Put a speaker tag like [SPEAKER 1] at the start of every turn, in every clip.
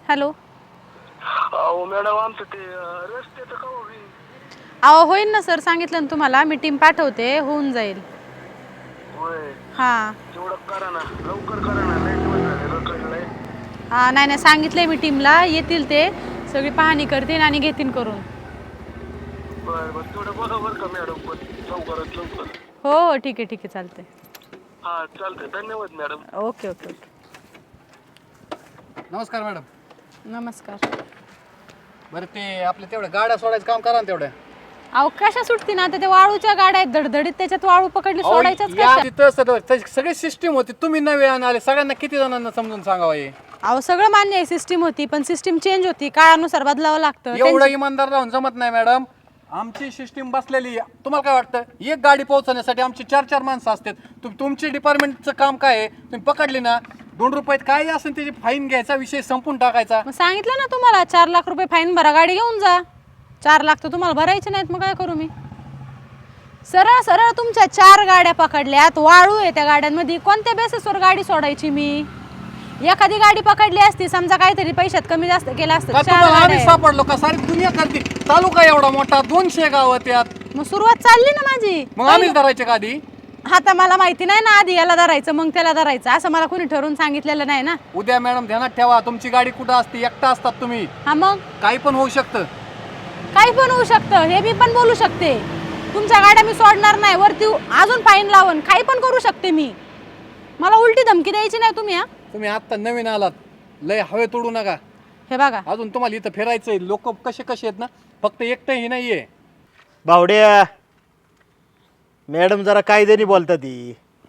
[SPEAKER 1] Hello.
[SPEAKER 2] अहो madam आमचं ते रस्त्याचं का होईल?
[SPEAKER 1] अहो होईल ना सर, सांगितलं ना तुम्हाला, मी टीम पाठवते, होऊन जाईल.
[SPEAKER 2] होय,
[SPEAKER 1] हां
[SPEAKER 2] तेवढं करा ना, लवकर करा ना, लय दिवस झाले रखडलंय.
[SPEAKER 1] हां, नाही नाही, सांगितलंय मी टीमला, येतील ते सगळी पाहणी करतील आणि घेतील करून.
[SPEAKER 2] बर बर, तेवढं बघा बरं का मॅडम, पण लवकरात लवकर.
[SPEAKER 1] हो हो, ठीक आहे ठीक आहे, चालतंय.
[SPEAKER 2] हा चालतंय, धन्यवाद मॅडम.
[SPEAKER 1] Okay okay okay.
[SPEAKER 3] नमस्कार मॅडम.
[SPEAKER 1] नमस्कार.
[SPEAKER 3] बरं ते आपल्या तेवढ्या गाड्या सोडायचं काम करा ना तेवढ्या.
[SPEAKER 1] अहो कशा सुटती ना, आता त्या वाळूच्या गाड्या आहेत धडधडीत, त्याच्यात वाळू पकडली, सोडायच्याच
[SPEAKER 3] या
[SPEAKER 1] कशा?
[SPEAKER 3] तिथं सगळी सिस्टीम होती, तुम्ही नवे आले, सगळ्यांना किती जणांना समजून सांगावं हे?
[SPEAKER 1] अहो सगळं मान्य आहे, सिस्टीम होती पण सिस्टीम चेंज होती, काळानुसार बदलावं लागतं.
[SPEAKER 3] एवढं इमानदार राहून जमत नाही मॅडम. आमची सिस्टीम बसलेली आहे. तुम्हाला काय वाटतं, एक गाडी पोहोचवण्यासाठी आमची 4-4 माणसं असतात. तुमची डिपार्टमेंटचं काम काय आहे? तुम्ही पकडली ना, 2 रुपयात काय असेल त्याची फाईन घ्यायचा, विषय संपून टाकायचा.
[SPEAKER 1] मग सांगितलं ना तुम्हाला, 4 लाख रुपये फाईन भरा, गाडी घेऊन जा. 4 लाख तर तुम्हाला भरायचे नाहीत, मग काय करू मी? सरळ सरळ तुमच्या 4 गाड्या पकडल्यात, वाळू आहे त्या गाड्यांमध्ये, कोणत्या बेसिसवर गाडी सोडायची मी? एखादी गाडी पकडली असती, समजा काहीतरी पैशात कमी जास्त केलं असतं. 4
[SPEAKER 3] आम्ही
[SPEAKER 1] गाड्या
[SPEAKER 3] सापडलो का? सारी दुनिया करते. तालुका एवढा मोठा, 200 गाव त्यात.
[SPEAKER 1] मग सुरुवात चालली ना माझी.
[SPEAKER 3] मग आम्हीच धरायचे का आधी?
[SPEAKER 1] आता मला माहिती नाही ना, आधी याला धरायचं मग त्याला धरायचं, असं मला कोणी ठरवून सांगितलेलं नाही ना.
[SPEAKER 3] उद्या मॅडम ध्यानात ठेवा, तुमची गाडी कुठं असते, एकटा असतात तुम्ही.
[SPEAKER 1] हा मग
[SPEAKER 3] काही पण होऊ शकतं.
[SPEAKER 1] काही पण होऊ शकतं, हे मी पण बोलू शकते. तुमच्या गाड्या मी सोडणार नाही, वरती अजून फाईन लावून काही पण करू शकते मी. मला उलटी धमकी द्यायची नाही तुम्ही. हा
[SPEAKER 3] तुम्ही आता नवीन आलात, लय हवे तोडू नका.
[SPEAKER 1] हे बघा,
[SPEAKER 3] अजून तुम्हाला इथं फिरायचंय. लोक कसे कसे आहेत ना, फक्त एकटंही नाहीये.
[SPEAKER 4] बावड्या, मॅडम जरा कायद्याने बोलतात ती.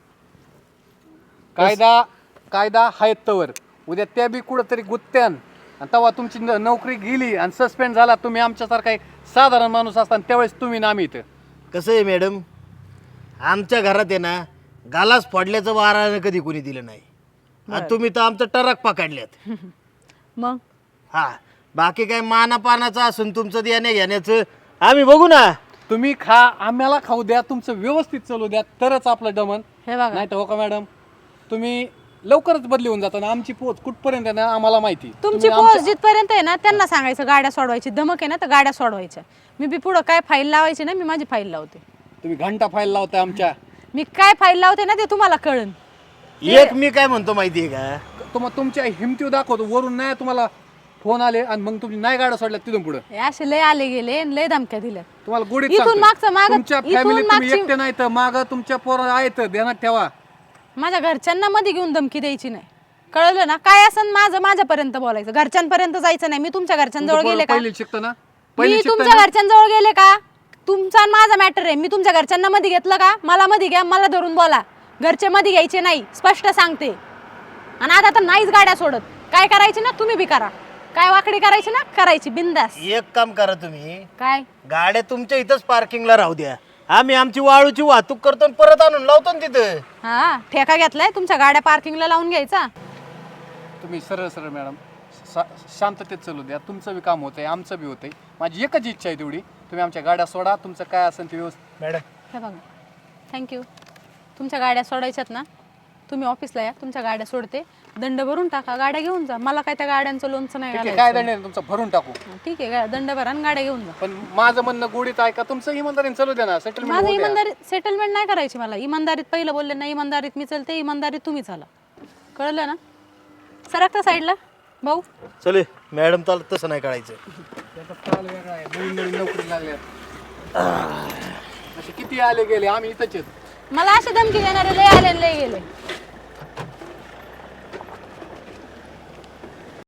[SPEAKER 3] कायदा हायत तवर. उद्या त्या बी कुठंतरी गुत्त्यान, आणि तेव्हा तुमची नोकरी गेली आणि सस्पेंड झाला, तुम्ही आमच्यासारखा एक साधारण माणूस असताना त्यावेळेस तुम्ही ना आम्ही इथं.
[SPEAKER 4] कसं आहे मॅडम, आमच्या घरात आहे ना, गालास फोडल्याचं वारानं कधी कोणी दिलं नाही. आणि तुम्ही तर आमचं टरक पकडल्यात.
[SPEAKER 1] मग
[SPEAKER 4] हा, बाकी काय मानापानाचं असून तुमचं देण्या घेण्याचं आम्ही बघू ना.
[SPEAKER 3] तुम्ही खा, आम्हाला खाऊ द्या, तुमचं व्यवस्थित चालू द्या, तरच आपलं दमन.
[SPEAKER 1] हे बघा,
[SPEAKER 3] नाही तर हो का मॅडम, तुम्ही लवकरच बदली होऊन जाता ना. आमची पोच कुठपर्यंत आहे ना आम्हाला माहिती.
[SPEAKER 1] तुमची पोस्ट जिथपर्यंत आहे ना, त्यांना सांगायचं गाड्या सोडवायची. धमक आहे ना तर गाड्या सोडवायच्या. मी बी पुढं काय फाईल लावायची ना, मी माझी फाईल लावते.
[SPEAKER 3] तुम्ही घंटा फाईल लावताय आमच्या.
[SPEAKER 1] मी काय फाईल लावते ना ते तुम्हाला कळन.
[SPEAKER 4] एक मी काय म्हणतो माहितीये का,
[SPEAKER 3] तुमच्या हिमतीव दाखवतो. वरून नाही तुम्हाला फोन आले आणि मग तुम्ही नाही गाड्या सोडल्या तिथून पुढे.
[SPEAKER 1] हे असे लय आले गेले, लय धमक्या दिल्या.
[SPEAKER 3] तुम्हाला गोडीत
[SPEAKER 1] इथून
[SPEAKER 3] सांगतोय.
[SPEAKER 1] मागचं मागं-
[SPEAKER 3] तुमच्या
[SPEAKER 1] इथून
[SPEAKER 3] फॅमिलीत तुम्ही
[SPEAKER 1] मागची-
[SPEAKER 3] एकटे नाही तर माग तुमच्या पोरं आहेत, ध्यानात ठेवा.
[SPEAKER 1] माझ्या घरच्यांना मध्ये घेऊन धमकी द्यायची नाही, कळलं ना? काय असं माझ्यापर्यंत बोलायचं, घरच्यांपर्यंत जायचं नाही. मी तुमच्या घरच्यांजवळ गेले का?
[SPEAKER 3] पहिली शिकतो ना,
[SPEAKER 1] मी तुमच्या घरच्यांजवळ गेले का? तुमचा आणि माझा मॅटर आहे. मी तुमच्या घरच्यांना मध्ये घेतलं का? मला मध्ये घ्या, मला धरून बोला. घरचे मध्ये घ्यायचे नाही, स्पष्ट सांगते. आणि आता तर नाहीच गाड्या सोडत. काय करायची ना तुम्ही बी करा, काय वाकडी करायची ना करायची, बिंदास.
[SPEAKER 4] एक काम करा तुम्ही,
[SPEAKER 1] काय
[SPEAKER 4] गाड्या तुमच्या इथंच पार्किंगला राहू द्या. आम्ही आमची वाळूची वाहतूक करतो आणि परत आणून लावतो ना तिथं.
[SPEAKER 1] हा, ठेका घेतलाय तुमच्या गाड्या पार्किंगला लावून घ्यायचा.
[SPEAKER 3] तुम्ही सरळ सरळ मॅडम शांततेत चालू द्या. तुमचं बी काम होतंय, आमचं बी होतंय. माझी एकच इच्छा आहे तेवढी, तुम्ही आमच्या गाड्या सोडा. तुमचं काय असेल ते व्यवस्थित.
[SPEAKER 4] मॅडम
[SPEAKER 1] हे बघा, थँक्यू. तुमच्या गाड्या सोडायच्यात ना, तुम्ही ऑफिसला या, तुमच्या गाड्या सोडते, दंड भरून टाका, गाड्या घेऊन जा. मला काय त्या गाड्यांचं लोणचं नाही
[SPEAKER 3] ठीक आहे,
[SPEAKER 1] घालायचं.
[SPEAKER 3] काय दंड आहे तुमचं भरून टाकू.
[SPEAKER 1] ठीक आहे, दंड भरा आणि गाड्या घेऊन जा.
[SPEAKER 3] पण माझं म्हणणं गोडीत ऐका, तुमचं इमानदारीने चालू द्या ना.
[SPEAKER 1] माझं
[SPEAKER 3] सेटलमेंट
[SPEAKER 1] इमानदारीत सेटलमेंट नाही करायची. मला इमानदारीत पहिलं बोलले ना, इमानदारीत मी चलते, इमानदारीत तुम्ही चाला, कळलं ना? सरकता साईडला भाऊ.
[SPEAKER 4] चले मॅडम, तसं नाही करायचं.
[SPEAKER 3] वेगळा आहे, नवीन नवीन नोकरी लागल्या. असे किती आले गेले, आम्ही इथंच आहेत.
[SPEAKER 1] मला असे धमकी देणारे लय आले लय गेले.